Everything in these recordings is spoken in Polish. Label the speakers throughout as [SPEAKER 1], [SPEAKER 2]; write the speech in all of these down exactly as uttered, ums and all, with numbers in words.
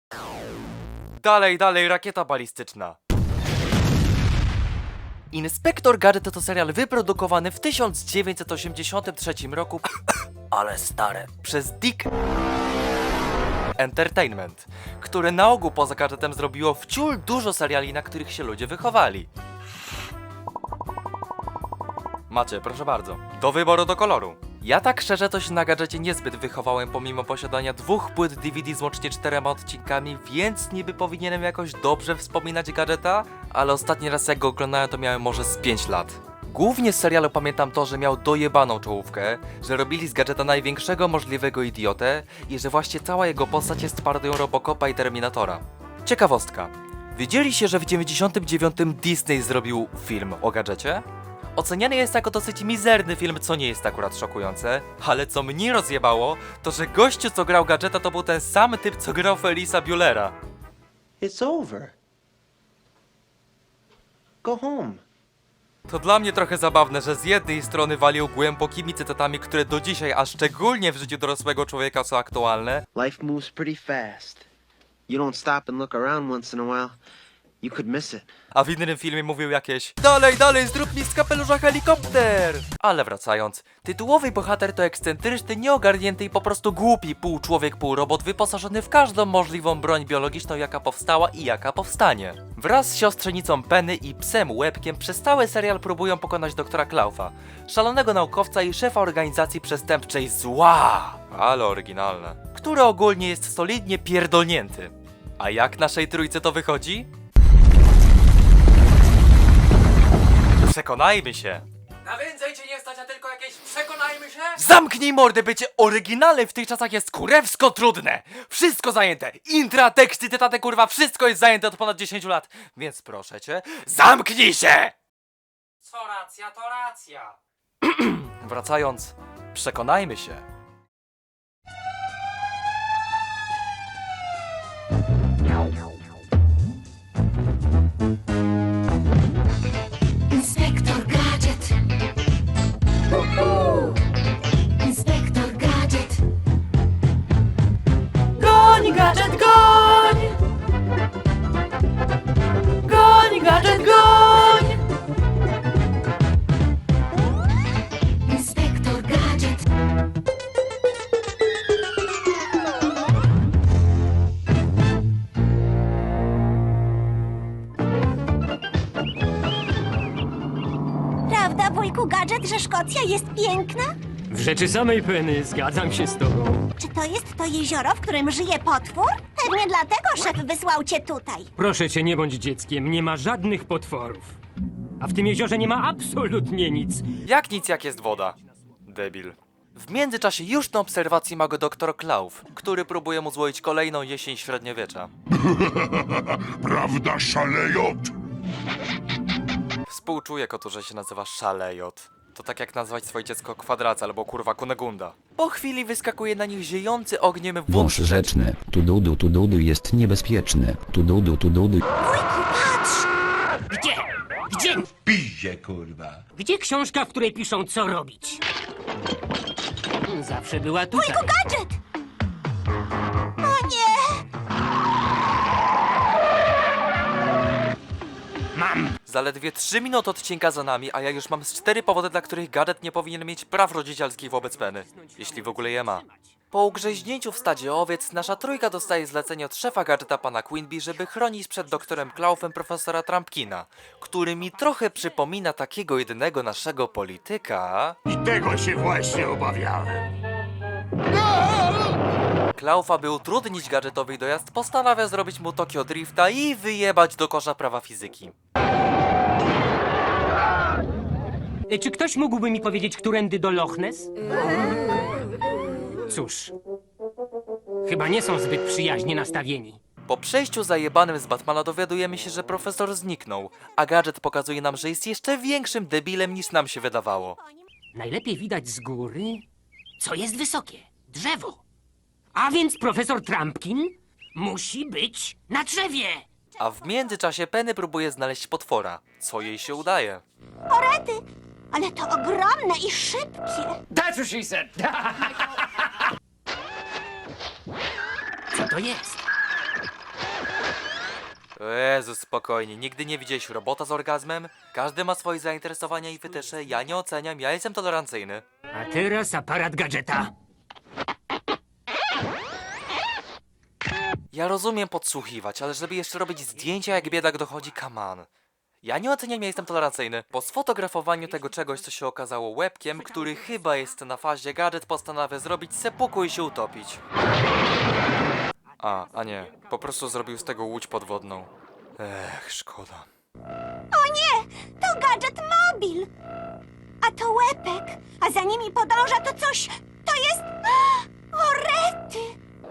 [SPEAKER 1] Dalej, dalej, rakieta balistyczna. Inspektor Gadżet to serial wyprodukowany w tysiąc dziewięćset osiemdziesiątym trzecim roku ale stare, przez Dick Entertainment, które na ogół poza Gadżetem zrobiło wciul dużo seriali, na których się ludzie wychowali. Macie, proszę bardzo. Do wyboru, do koloru. Ja tak szczerze to się na Gadżecie niezbyt wychowałem pomimo posiadania dwóch płyt D V D z łącznie czterema odcinkami, więc niby powinienem jakoś dobrze wspominać Gadżeta, ale ostatni raz jak go oglądałem to miałem może z pięć lat. Głównie z serialu pamiętam to, że miał dojebaną czołówkę, że robili z Gadżeta największego możliwego idiotę i że właśnie cała jego postać jest parodią Robocopa i Terminatora. Ciekawostka. Wiedzieliście, że w dziewięćdziesiątym dziewiątym Disney zrobił film o Gadżecie? Oceniany jest jako dosyć mizerny film, co nie jest akurat szokujące, ale co mnie rozjebało, to że gościu, co grał Gadżeta, to był ten sam typ, co grał Ferisa Buellera.
[SPEAKER 2] It's over. Go home.
[SPEAKER 1] To dla mnie trochę zabawne, że z jednej strony walił głębokimi cytatami, które do dzisiaj, a szczególnie w życiu dorosłego człowieka są aktualne,
[SPEAKER 2] Life moves pretty fast. You don't stop and look around once in a while, you could miss it.
[SPEAKER 1] a w innym filmie mówił jakieś dalej, dalej, zrób mi z kapelusza helikopter! Ale wracając, tytułowy bohater to ekscentryczny, nieogarnięty i po prostu głupi pół człowiek, pół robot wyposażony w każdą możliwą broń biologiczną, jaka powstała i jaka powstanie. Wraz z siostrzenicą Penny i psem Łebkiem przez cały serial próbują pokonać doktora Klaufa, szalonego naukowca i szefa organizacji przestępczej Zła, ale oryginalne, który ogólnie jest solidnie pierdolnięty. A jak naszej trójce to wychodzi? Przekonajmy się. Na więcej cię nie stać, a tylko jakieś przekonajmy się? Zamknij mordę, bycie oryginalne w tych czasach jest kurewsko trudne. Wszystko zajęte. Intra, teksty, cytaty, kurwa, wszystko jest zajęte od ponad dziesięciu lat. Więc proszę cię, zamknij się! Co racja, to racja. Wracając, przekonajmy się.
[SPEAKER 3] Inspektor Gadżet. Uhu. Inspektor Gadżet.
[SPEAKER 1] Goń, gadżet, goń! Goń, gadżet, goń!
[SPEAKER 3] Inspektor Gadżet.
[SPEAKER 4] Prawda, wujku Gadżet, że Szkocja jest piękna?
[SPEAKER 5] W rzeczy samej, Penny, zgadzam się z tobą.
[SPEAKER 4] Czy to jest to jezioro, w którym żyje potwór? Pewnie dlatego szef wysłał cię tutaj.
[SPEAKER 5] Proszę cię, nie bądź dzieckiem, nie ma żadnych potworów. A w tym jeziorze nie ma absolutnie nic.
[SPEAKER 1] Jak nic, jak jest woda. Debil. W międzyczasie już na obserwacji ma go doktor Klauf, który próbuje mu złoić kolejną jesień średniowiecza.
[SPEAKER 6] Prawda, szalejot?
[SPEAKER 1] Współczuję kotu, że się nazywa Szalejot. To tak jak nazwać swoje dziecko Kwadraca albo kurwa Kunegunda. Po chwili wyskakuje na nich ziejący ogniem
[SPEAKER 7] Wąż
[SPEAKER 1] wąż
[SPEAKER 7] rzeczny, tududu tududu jest niebezpieczny, tududu tududu.
[SPEAKER 4] Wujku, patrz!
[SPEAKER 5] Gdzie? Gdzie?
[SPEAKER 6] Piździe, kurwa.
[SPEAKER 5] Gdzie książka, w której piszą, co robić? Zawsze była tutaj.
[SPEAKER 4] Wujku Gadżet! O nie!
[SPEAKER 5] Mam!
[SPEAKER 1] Zaledwie trzy minuty odcinka za nami, a ja już mam z cztery powody, dla których Gadżet nie powinien mieć praw rodzicielskich wobec Penny. Jeśli w ogóle je ma. Po ugrzęźnięciu w stadzie owiec, nasza trójka dostaje zlecenie od szefa Gadżeta pana Quinby, żeby chronić przed doktorem Klaufem profesora Trumpkina, który mi trochę przypomina takiego jedynego naszego polityka.
[SPEAKER 6] I tego się właśnie obawiałem.
[SPEAKER 1] Klaufa, by utrudnić Gadżetowi dojazd, postanawia zrobić mu Tokio Drifta i wyjebać do kosza prawa fizyki.
[SPEAKER 5] E, Czy ktoś mógłby mi powiedzieć, którędy do Loch Ness? Cóż, chyba nie są zbyt przyjaźnie nastawieni.
[SPEAKER 1] Po przejściu zajebanym z Batmana dowiadujemy się, że profesor zniknął, a Gadżet pokazuje nam, że jest jeszcze większym debilem niż nam się wydawało.
[SPEAKER 5] Najlepiej widać z góry, co jest wysokie. Drzewo. A więc profesor Trumpkin musi być na drzewie.
[SPEAKER 1] A w międzyczasie Penny próbuje znaleźć potwora, co jej się udaje.
[SPEAKER 4] Orety! Ale to ogromne i szybkie.
[SPEAKER 5] That's what she said. Co to jest?
[SPEAKER 1] Jezu, spokojnie, nigdy nie widziałeś robota z orgazmem? Każdy ma swoje zainteresowania i wytysze, ja nie oceniam, ja jestem tolerancyjny.
[SPEAKER 5] A teraz aparat gadżeta.
[SPEAKER 1] Ja rozumiem podsłuchiwać, ale żeby jeszcze robić zdjęcia jak biedak dochodzi, come on. Ja nie oceniam, ja jestem tolerancyjny. Po sfotografowaniu tego czegoś, co się okazało łebkiem, który chyba jest na fazie, gadżet postanawia zrobić sepuku i się utopić. A, a nie, po prostu zrobił z tego łódź podwodną. Ech, szkoda.
[SPEAKER 4] O nie! To gadżet mobil! A to łepek, a za nimi podąża to coś... To jest... O, rety!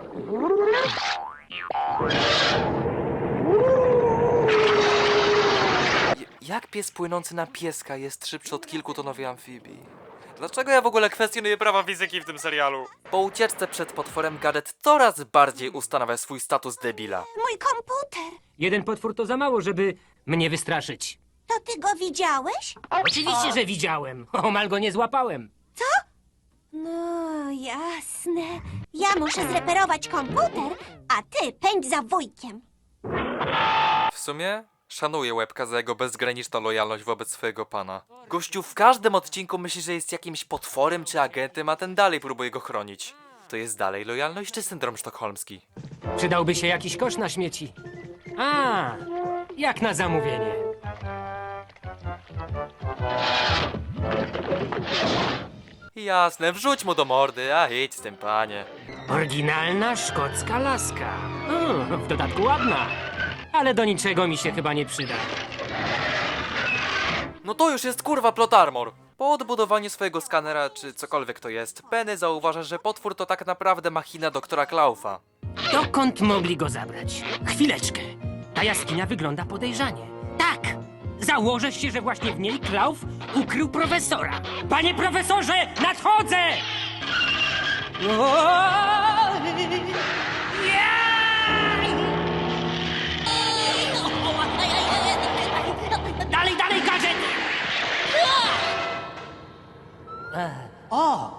[SPEAKER 1] J- jak pies płynący na pieska jest szybszy od kilkutonowej amfibii? Dlaczego ja w ogóle kwestionuję prawa fizyki w tym serialu? Po ucieczce przed potworem gadżet coraz bardziej ustanawia swój status debila.
[SPEAKER 4] Mój komputer!
[SPEAKER 5] Jeden potwór to za mało, żeby mnie wystraszyć.
[SPEAKER 4] To ty go widziałeś?
[SPEAKER 5] Oczywiście, że widziałem. Omal go nie złapałem.
[SPEAKER 4] No, jasne. Ja muszę zreperować komputer, a ty pędź za wujkiem.
[SPEAKER 1] W sumie szanuję Łebka za jego bezgraniczną lojalność wobec swojego pana. Gościu w każdym odcinku myśli, że jest jakimś potworem czy agentem, a ten dalej próbuje go chronić. To jest dalej lojalność czy syndrom sztokholmski?
[SPEAKER 5] Przydałby się jakiś kosz na śmieci. A, jak na zamówienie.
[SPEAKER 1] Jasne, wrzuć mu do mordy, a idź z tym, panie.
[SPEAKER 5] Oryginalna szkocka laska. Mm, w dodatku ładna. Ale do niczego mi się chyba nie przyda.
[SPEAKER 1] No to już jest kurwa plot armor. Po odbudowaniu swojego skanera, czy cokolwiek to jest, Penny zauważa, że potwór to tak naprawdę machina doktora Klaufa.
[SPEAKER 5] Dokąd mogli go zabrać? Chwileczkę. Ta jaskinia wygląda podejrzanie. Tak! Założę się, że właśnie w niej Klauf ukrył profesora. Panie profesorze, nadchodzę! Dalej, dalej, gadżet! O!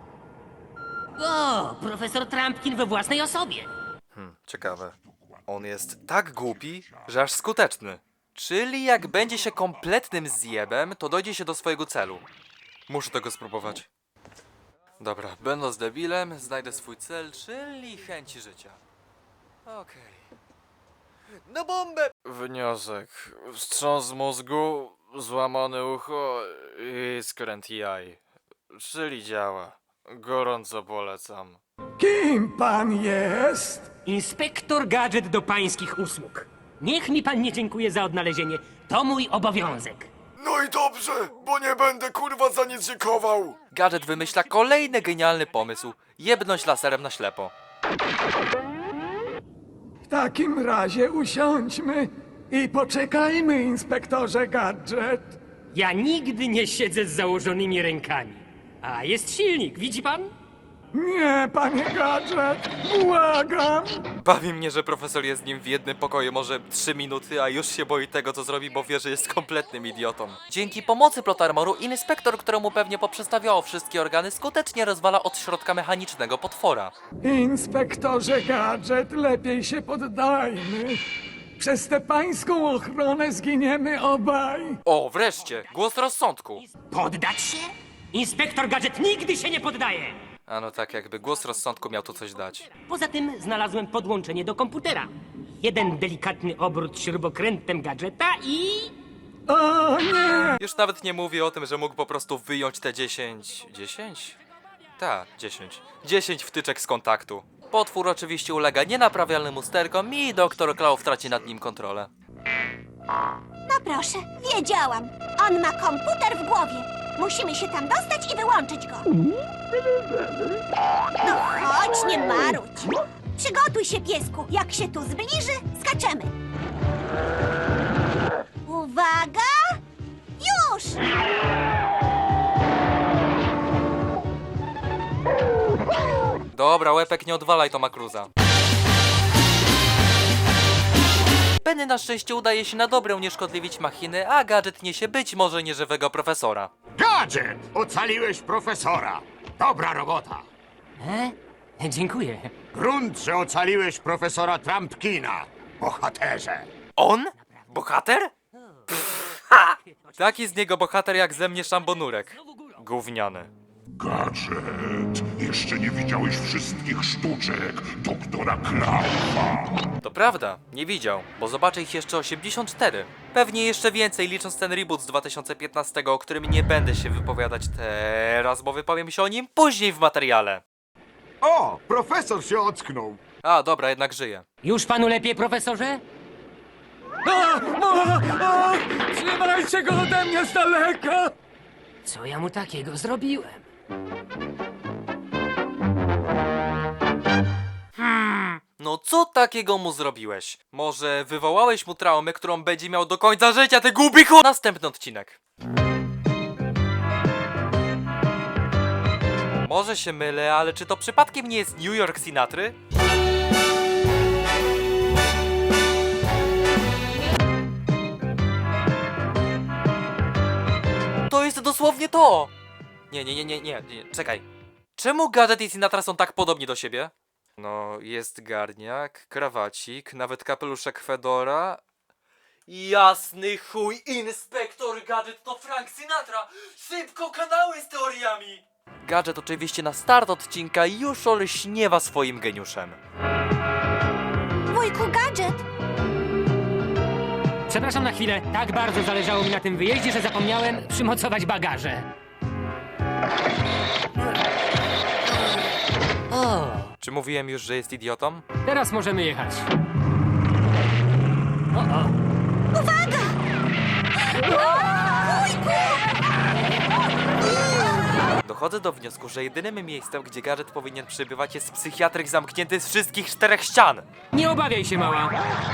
[SPEAKER 5] O, profesor Trumpkin we własnej osobie.
[SPEAKER 1] Ciekawe. On jest tak głupi, że aż skuteczny. Czyli jak będzie się kompletnym zjebem, to dojdzie się do swojego celu. Muszę tego spróbować. Dobra, będąc debilem, znajdę swój cel, czyli chęci życia. Okej. Na bombę! Wniosek. Wstrząs mózgu, złamane ucho i skręt jaj. Czyli działa. Gorąco polecam.
[SPEAKER 8] Kim pan jest?
[SPEAKER 5] Inspektor Gadżet do pańskich usług. Niech mi pan nie dziękuje za odnalezienie. To mój obowiązek.
[SPEAKER 6] No i dobrze, bo nie będę kurwa za nic dziękował.
[SPEAKER 1] Gadżet wymyśla kolejny genialny pomysł. Jebnąć laserem na ślepo.
[SPEAKER 8] W takim razie usiądźmy i poczekajmy, inspektorze Gadżet.
[SPEAKER 5] Ja nigdy nie siedzę z założonymi rękami. A jest silnik, widzi pan?
[SPEAKER 8] Nie, panie Gadżet, błagam.
[SPEAKER 1] Bawi mnie, że profesor jest z nim w jednym pokoju może trzy minuty, a już się boi tego, co zrobi, bo wie, że jest kompletnym idiotą. Dzięki pomocy plot armoru, inspektor, któremu pewnie poprzestawiało wszystkie organy, skutecznie rozwala od środka mechanicznego potwora.
[SPEAKER 8] Inspektorze Gadżet, lepiej się poddajmy. Przez tę pańską ochronę zginiemy obaj.
[SPEAKER 1] O, wreszcie! Głos rozsądku!
[SPEAKER 5] Poddać się? Inspektor Gadżet nigdy się nie poddaje!
[SPEAKER 1] A no tak, jakby głos rozsądku miał tu coś dać.
[SPEAKER 5] Poza tym znalazłem podłączenie do komputera. Jeden delikatny obrót śrubokrętem gadżeta i...
[SPEAKER 8] O nie!
[SPEAKER 1] Już nawet nie mówię o tym, że mógł po prostu wyjąć te dziesięć... dziesięć? Tak, dziesięć. dziesięć wtyczek z kontaktu. Potwór oczywiście ulega nienaprawialnym usterkom i doktor Klauf traci nad nim kontrolę.
[SPEAKER 4] No proszę, wiedziałam. On ma komputer w głowie. Musimy się tam dostać i wyłączyć go. No chodź, nie marudź. Przygotuj się, piesku. Jak się tu zbliży, skaczemy. Uwaga! Już!
[SPEAKER 1] Dobra, Łepek, nie odwalaj Toma Cruza. Penny na szczęście udaje się na dobre unieszkodliwić machiny, a Gadżet niesie być może nieżywego profesora.
[SPEAKER 6] Gadżet! Ocaliłeś profesora. Dobra robota.
[SPEAKER 5] E? Dziękuję.
[SPEAKER 6] Grunt, że ocaliłeś profesora Trumpkina. Bohaterze.
[SPEAKER 1] On? Bohater? Pff, ha! Taki z niego bohater jak ze mnie szambonurek. Gówniany.
[SPEAKER 9] Gadżet, jeszcze nie widziałeś wszystkich sztuczek doktora Klaufa.
[SPEAKER 1] To prawda, nie widział, bo zobaczę ich jeszcze osiemdziesiąt cztery. Pewnie jeszcze więcej, licząc ten reboot z dwa tysiące piętnastego, o którym nie będę się wypowiadać teraz, bo wypowiem się o nim później w materiale.
[SPEAKER 6] O, profesor się ocknął.
[SPEAKER 1] A, dobra, jednak żyje.
[SPEAKER 5] Już panu lepiej, profesorze?
[SPEAKER 8] A, o, o, trzymajcie go ode mnie z daleka!
[SPEAKER 5] Co ja mu takiego zrobiłem?
[SPEAKER 1] No co takiego mu zrobiłeś? Może wywołałeś mu traumę, którą będzie miał do końca życia, ty gubichu! Następny odcinek. Może się mylę, ale czy to przypadkiem nie jest New York Sinatry? To jest dosłownie to! Nie, nie, nie, nie, nie, nie, czekaj. Czemu Gadżet i Sinatra są tak podobni do siebie? No, jest garniak, krawacik, nawet kapeluszek Fedora. Jasny chuj, Inspektor Gadżet to Frank Sinatra! Szybko kanały z teoriami! Gadżet oczywiście na start odcinka już olśniewa swoim geniuszem.
[SPEAKER 4] Wujku Gadżet,
[SPEAKER 5] Przepraszam na chwilę, tak bardzo zależało mi na tym wyjeździe, że zapomniałem przymocować bagaże. O,
[SPEAKER 1] Czy mówiłem już, że jest idiotą?
[SPEAKER 5] teraz możemy jechać. O, o.
[SPEAKER 1] Dochodzę do wniosku, że jedynym miejscem, gdzie Gadżet powinien przebywać, jest psychiatryk zamknięty z wszystkich czterech ścian.
[SPEAKER 5] Nie obawiaj się, mała.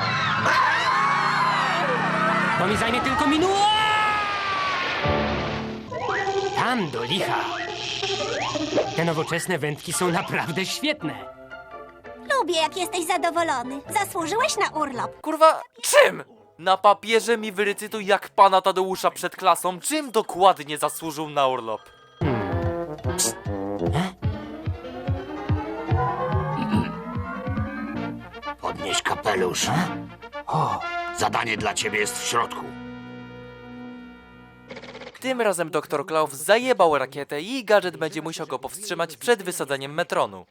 [SPEAKER 5] To mi zajmie tylko minutę. Tam do licha. Te nowoczesne wędki są naprawdę świetne.
[SPEAKER 4] lubię, jak jesteś zadowolony. Zasłużyłeś na urlop.
[SPEAKER 1] Kurwa, czym? Na papierze mi wyrecytuj jak pana Tadeusza przed klasą, czym dokładnie zasłużył na urlop.
[SPEAKER 9] Podnieś kapelusz. O, zadanie dla ciebie jest w środku.
[SPEAKER 1] Tym razem doktor Klauf zajebał rakietę i Gadżet będzie musiał go powstrzymać przed wysadzeniem metronu.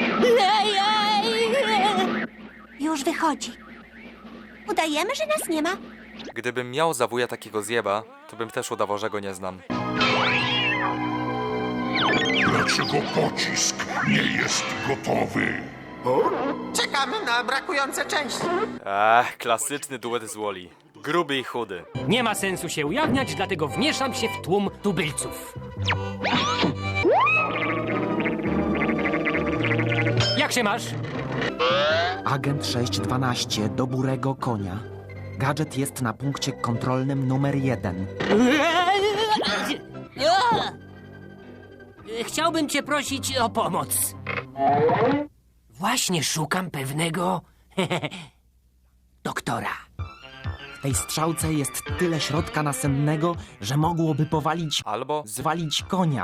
[SPEAKER 4] Już wychodzi. Udajemy, że nas nie ma.
[SPEAKER 1] Gdybym miał za wuja takiego zjeba, to bym też udawał, że go nie znam.
[SPEAKER 9] Dlaczego pocisk nie jest gotowy?
[SPEAKER 2] Czekamy na brakujące części.
[SPEAKER 1] Ach, klasyczny duet z Wall-E. Gruby i chudy.
[SPEAKER 5] Nie ma sensu się ujawniać, dlatego wmieszam się w tłum tubylców. Jak się masz?
[SPEAKER 10] Agent sześć dwanaście do Burego Konia. Gadżet jest na punkcie kontrolnym numer jeden.
[SPEAKER 5] Chciałbym cię prosić o pomoc. Właśnie szukam pewnego doktora.
[SPEAKER 10] W tej strzałce jest tyle środka nasennego, że mogłoby powalić,
[SPEAKER 1] Albo...
[SPEAKER 10] zwalić konia.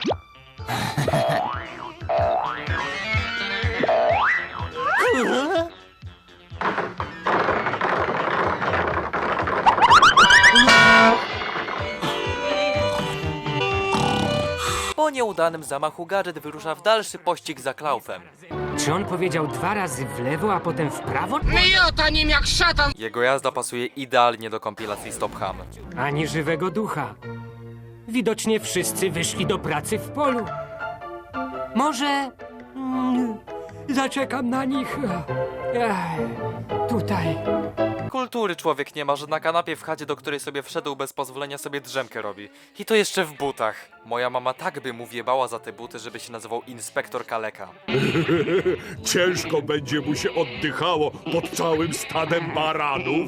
[SPEAKER 1] Po nieudanym zamachu Gadżet wyrusza w dalszy pościg za Klaufem.
[SPEAKER 5] Czy on powiedział dwa razy w lewo, a potem w prawo?
[SPEAKER 1] Jego jazda pasuje idealnie do kompilacji Stop Ham.
[SPEAKER 5] Ani żywego ducha. Widocznie wszyscy wyszli do pracy w polu. Może... Mm, zaczekam na nich. Ech, tutaj.
[SPEAKER 1] Kultury człowiek nie ma, że na kanapie w chacie, do której sobie wszedł bez pozwolenia, sobie drzemkę robi. I to jeszcze w butach. Moja mama tak by mu wjebała za te buty, żeby się nazywał Inspektor Kaleka.
[SPEAKER 9] Ciężko będzie mu się oddychało pod całym stadem baranów.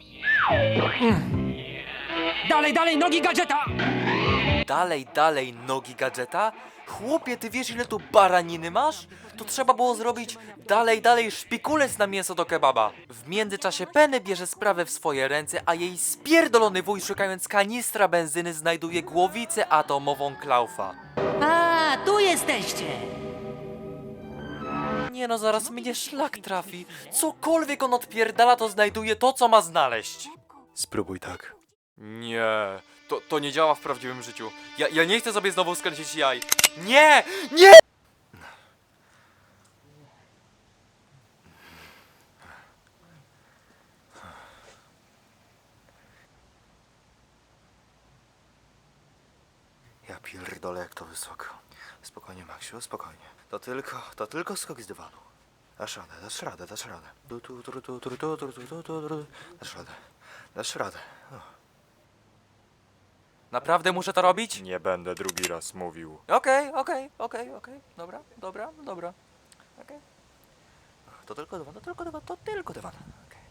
[SPEAKER 5] Dalej, dalej, nogi gadżeta!
[SPEAKER 1] Dalej, dalej, nogi Gadżeta? Chłopie, ty wiesz ile tu baraniny masz? To trzeba było zrobić dalej, dalej szpikulec na mięso do kebaba. W międzyczasie Penny bierze sprawę w swoje ręce, a jej spierdolony wuj, szukając kanistra benzyny, znajduje głowicę atomową Klaufa.
[SPEAKER 5] A, tu jesteście!
[SPEAKER 1] Nie no, zaraz mnie szlak trafi. Cokolwiek on odpierdala, to znajduje to, co ma znaleźć. Spróbuj tak. Nie, to, to nie działa w prawdziwym życiu. Ja, ja nie chcę sobie znowu skręcić jaj. Nie! Nie! Ja pierdolę, jak to wysoko. Spokojnie, Maksiu, spokojnie. To tylko, to tylko skok z dywanu. Dasz radę, dasz radę, dasz radę. Tu, tu, tu, tu, tu, tu, tu, tu, tu, tu, tu. Dasz radę, dasz radę. O. Naprawdę muszę to robić?
[SPEAKER 6] Nie będę drugi raz mówił.
[SPEAKER 1] Okej, okej, okej, okej. Dobra, dobra, dobra. Okej. To tylko dywan, to tylko dywan, to tylko dywan. Okej.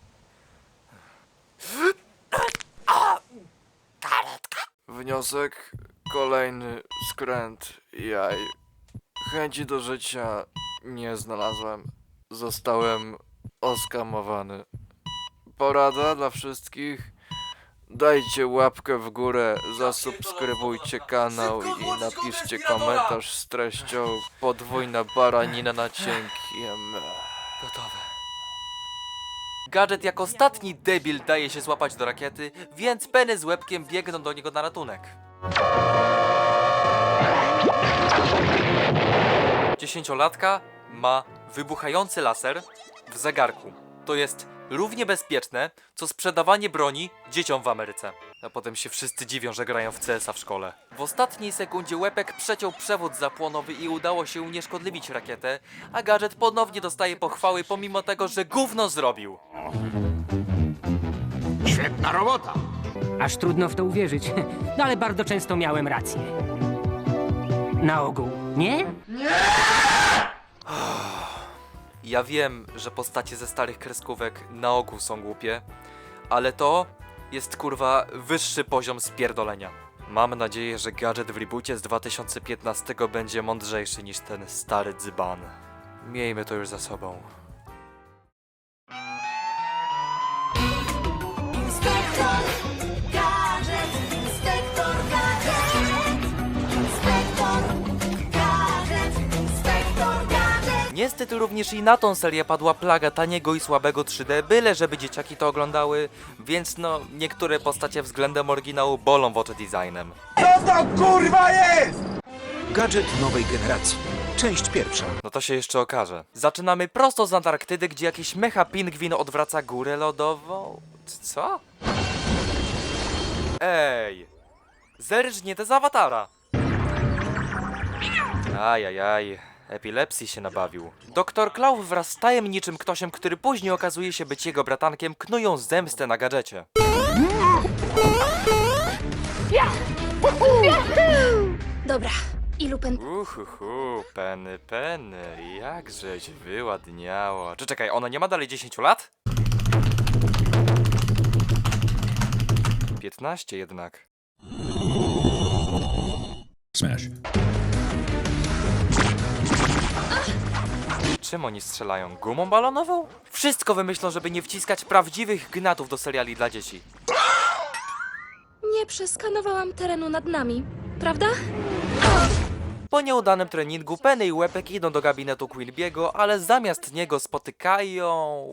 [SPEAKER 6] Wniosek, kolejny skręt jaj. Chęci do życia nie znalazłem. Zostałem oskamowany. Porada dla wszystkich. Dajcie łapkę w górę, zasubskrybujcie kanał i napiszcie komentarz z treścią podwójna baranina na cienkiem.
[SPEAKER 1] Gotowe. Gadżet jak ostatni debil daje się złapać do rakiety, więc Penny z łebkiem biegną do niego na ratunek. Dziesięciolatka ma wybuchający laser w zegarku. To jest równie bezpieczne, co sprzedawanie broni dzieciom w Ameryce. A potem się wszyscy dziwią, że grają w C S a w szkole. W ostatniej sekundzie łepek przeciął przewód zapłonowy i udało się unieszkodliwić rakietę, a gadżet ponownie dostaje pochwały pomimo tego, że gówno zrobił.
[SPEAKER 8] Świetna robota!
[SPEAKER 5] Aż trudno w to uwierzyć, no ale bardzo często miałem rację. Na ogół, nie?
[SPEAKER 1] Ja wiem, że postacie ze starych kreskówek na ogół są głupie, ale to jest kurwa wyższy poziom spierdolenia. Mam nadzieję, że gadżet w reboocie z dwa tysiące piętnastego będzie mądrzejszy niż ten stary dzban. Miejmy to już za sobą.
[SPEAKER 4] Inspektor Gadżet, Inspektor Gadżet, Inspektor Gadżet, Inspektor Gadżet.
[SPEAKER 1] Niestety również i na tą serię padła plaga taniego i słabego trzy D, byle żeby dzieciaki to oglądały, więc no, niektóre postacie względem oryginału bolą w oczy designem.
[SPEAKER 10] Gadżet nowej generacji. Część pierwsza.
[SPEAKER 1] No to się jeszcze okaże. Zaczynamy prosto z Antarktydy, gdzie jakiś mecha pingwin odwraca górę lodową. Co? Ej! Zerżnięte z awatara! Ajajaj, epilepsji się nabawił. Doktor Klaw wraz z tajemniczym ktośem, który później okazuje się być jego bratankiem, knują zemstę na gadżecie.
[SPEAKER 3] Dobra, ilu pen...
[SPEAKER 1] Uhuhu, Penny, Penny, jakżeś wyładniało. Czy czekaj, ona nie ma dalej dziesięciu lat? piętnaście jednak.
[SPEAKER 9] Smash.
[SPEAKER 1] Czym oni strzelają? Gumą balonową? Wszystko wymyślą, żeby nie wciskać prawdziwych gnatów do seriali dla dzieci.
[SPEAKER 3] Nie przeskanowałam terenu nad nami, prawda?
[SPEAKER 1] Po nieudanym treningu Penny i Łepek idą do gabinetu Quilbiego, ale zamiast niego spotykają...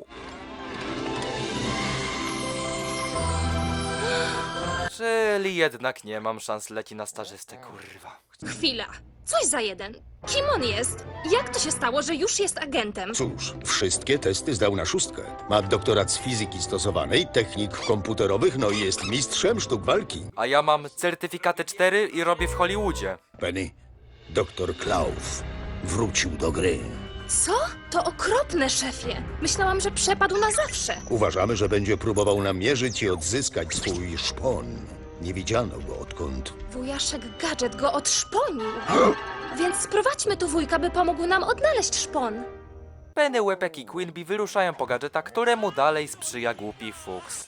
[SPEAKER 1] Czyli jednak nie mam szans, leci na stażystę, kurwa.
[SPEAKER 3] Chwila, coś za jeden. Kim on jest? Jak to się stało, że już jest agentem?
[SPEAKER 11] Cóż, wszystkie testy zdał na szóstkę. Ma doktorat z fizyki stosowanej, technik komputerowych, no i jest mistrzem sztuk walki.
[SPEAKER 1] A ja mam certyfikaty cztery i robię w Hollywoodzie.
[SPEAKER 11] Penny, doktor Klaus wrócił do gry.
[SPEAKER 3] Co? To okropne, szefie. Myślałam, że przepadł na zawsze.
[SPEAKER 11] Uważamy, że będzie próbował namierzyć i odzyskać swój szpon. Nie widziano go odkąd.
[SPEAKER 3] Wujaszek Gadżet go odszponił. Więc sprowadźmy tu wujka, by pomógł nam odnaleźć szpon.
[SPEAKER 1] Penny, Łepek i Quilby wyruszają po gadżeta, któremu dalej sprzyja głupi Fuchs.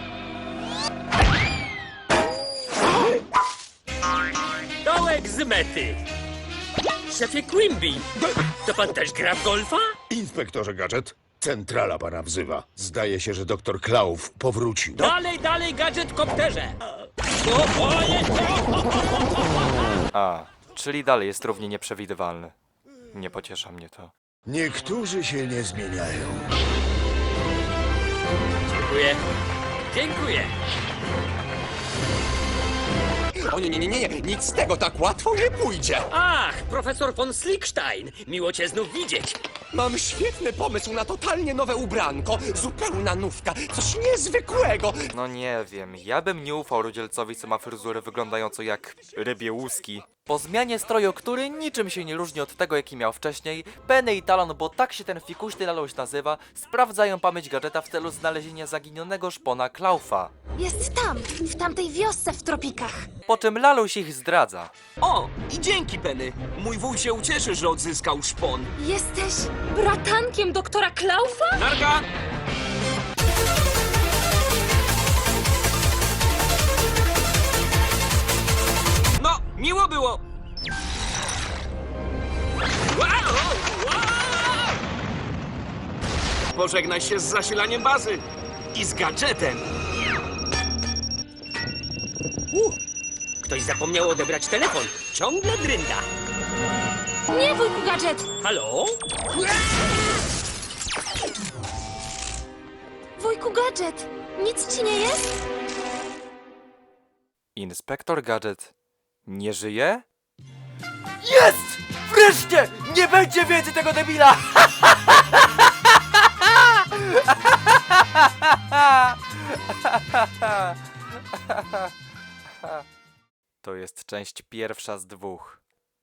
[SPEAKER 5] Dołek z mety! Szefie Quimby, to pan też gra w golfa?
[SPEAKER 11] Inspektorze Gadżet, centrala pana wzywa. Zdaje się, że doktor Klaus powrócił.
[SPEAKER 5] Dalej, dalej, gadżet kopterze! O, o, nie, o.
[SPEAKER 1] A, czyli dalej jest równie nieprzewidywalny. Nie pociesza mnie to.
[SPEAKER 11] Niektórzy się nie zmieniają.
[SPEAKER 5] Dziękuję. Dziękuję.
[SPEAKER 8] O nie, nie, nie, nie, nic z tego tak łatwo nie pójdzie.
[SPEAKER 5] Ach, profesor von Slickstein. Miło cię znów widzieć.
[SPEAKER 8] Mam świetny pomysł na totalnie nowe ubranko. Zupełna nówka, coś niezwykłego.
[SPEAKER 1] No nie wiem, ja bym nie ufał rudzielcowi, co ma fryzurę wyglądającą jak rybie łuski. Po zmianie stroju, który niczym się nie różni od tego, jaki miał wcześniej, Penny i Talon, bo tak się ten fikuśny laluś nazywa, sprawdzają pamięć gadżeta w celu znalezienia zaginionego szpona Klaufa.
[SPEAKER 3] Jest tam, w tamtej wiosce w tropikach.
[SPEAKER 1] Po czym laluś ich zdradza.
[SPEAKER 8] O, i dzięki, Penny. Mój wuj się ucieszy, że odzyskał szpon.
[SPEAKER 3] Jesteś bratankiem doktora Klaufa?
[SPEAKER 8] Narka! No, miło było. Wow, wow! Pożegnaj się z zasilaniem bazy i z gadżetem.
[SPEAKER 5] Uh, ktoś zapomniał odebrać telefon. Ciągle drynda.
[SPEAKER 3] Nie, wujku Gadżet!
[SPEAKER 5] Halo?
[SPEAKER 3] Wujku Gadżet! Nic ci nie jest?
[SPEAKER 1] Inspektor Gadżet nie żyje? Jest! Wreszcie! Nie będzie więcej tego debila! To jest część pierwsza z dwóch.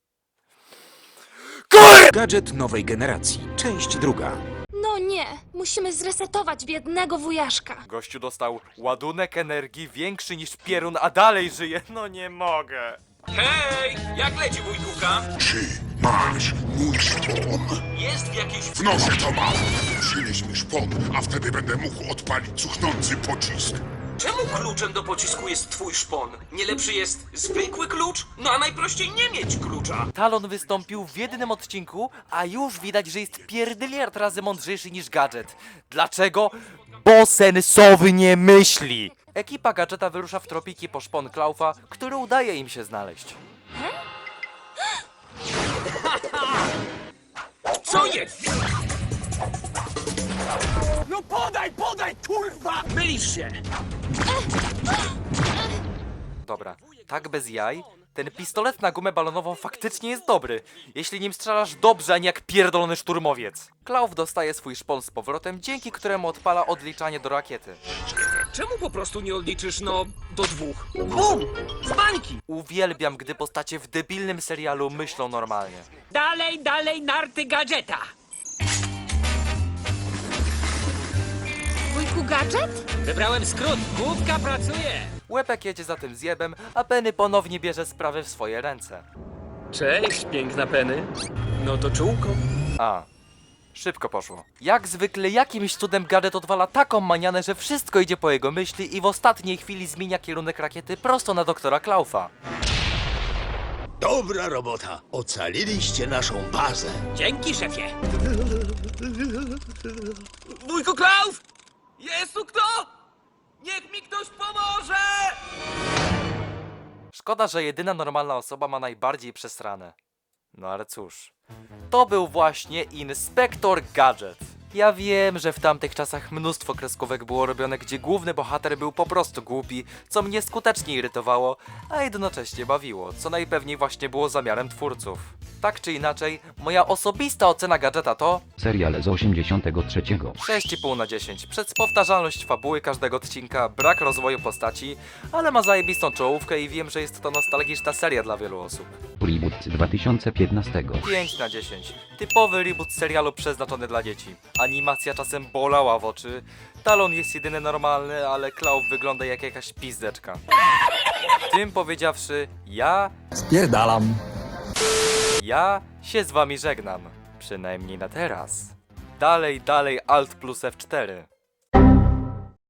[SPEAKER 12] Gadżet nowej generacji, część druga.
[SPEAKER 3] No nie, musimy zresetować biednego wujaszka.
[SPEAKER 1] Gościu dostał ładunek energii większy niż pierun, a dalej żyje. No nie mogę.
[SPEAKER 8] Hej, jak leci wujkuka?
[SPEAKER 6] Czy masz mój szpon?
[SPEAKER 8] Jest w jakiejś...
[SPEAKER 6] W nosie to mam. Przynieś mi szpon, a wtedy będę mógł odpalić cuchnący pocisk.
[SPEAKER 8] Czemu kluczem do pocisku jest twój szpon? Nie lepszy jest zwykły klucz? No a najprościej nie mieć klucza.
[SPEAKER 1] Talon wystąpił w jednym odcinku, a już widać, że jest pierdyliard razy mądrzejszy niż Gadżet. Dlaczego? Bo sensownie myśli! Ekipa Gadżeta wyrusza w tropiki po szpon Klaufa, który udaje im się znaleźć.
[SPEAKER 8] Co jest? No podaj, podaj, kurwa! Mylisz się!
[SPEAKER 1] Dobra, tak bez jaj, ten pistolet na gumę balonową faktycznie jest dobry, jeśli nim strzelasz dobrze, a nie jak pierdolony szturmowiec. Klauf dostaje swój szpon z powrotem, dzięki któremu odpala odliczanie do rakiety.
[SPEAKER 8] Czemu po prostu nie odliczysz, no, do dwóch? Bum! Z bańki!
[SPEAKER 1] Uwielbiam, gdy postacie w debilnym serialu myślą normalnie.
[SPEAKER 5] Dalej, dalej, narty gadżeta.
[SPEAKER 3] Wujku Gadżet?
[SPEAKER 5] Wybrałem skrót. Główka pracuje.
[SPEAKER 1] Łepek jedzie za tym zjebem, a Penny ponownie bierze sprawy w swoje ręce.
[SPEAKER 8] Cześć, piękna Penny. No to czółko.
[SPEAKER 1] A, szybko poszło. Jak zwykle jakimś cudem Gadżet odwala taką manianę, że wszystko idzie po jego myśli i w ostatniej chwili zmienia kierunek rakiety prosto na doktora Klaufa.
[SPEAKER 11] Dobra robota. Ocaliliście naszą bazę.
[SPEAKER 5] Dzięki, szefie.
[SPEAKER 8] Wujku Klauf! Jest tu kto? Niech mi ktoś pomoże!
[SPEAKER 1] Szkoda, że jedyna normalna osoba ma najbardziej przesrane. No ale cóż. To był właśnie Inspektor Gadżet. Ja wiem, że w tamtych czasach mnóstwo kreskówek było robione, gdzie główny bohater był po prostu głupi, co mnie skutecznie irytowało, a jednocześnie bawiło, co najpewniej właśnie było zamiarem twórców. Tak czy inaczej, moja osobista ocena Gadżeta to
[SPEAKER 7] Serial z osiemdziesiątego trzeciego.
[SPEAKER 1] sześć i pół na dziesięć. Przez powtarzalność fabuły każdego odcinka, brak rozwoju postaci, ale ma zajebistą czołówkę i wiem, że jest to nostalgiczna seria dla wielu osób.
[SPEAKER 7] Reboot z dwa tysiące piętnastego.
[SPEAKER 1] pięć na dziesięć. Typowy reboot serialu przeznaczony dla dzieci. Animacja czasem bolała w oczy. Talon jest jedyny normalny, ale Klauf wygląda jak jakaś pizdeczka. Tym powiedziawszy, ja...
[SPEAKER 12] Spierdalam.
[SPEAKER 1] Ja się z wami żegnam. Przynajmniej na teraz. Dalej, dalej, Alt plus F cztery.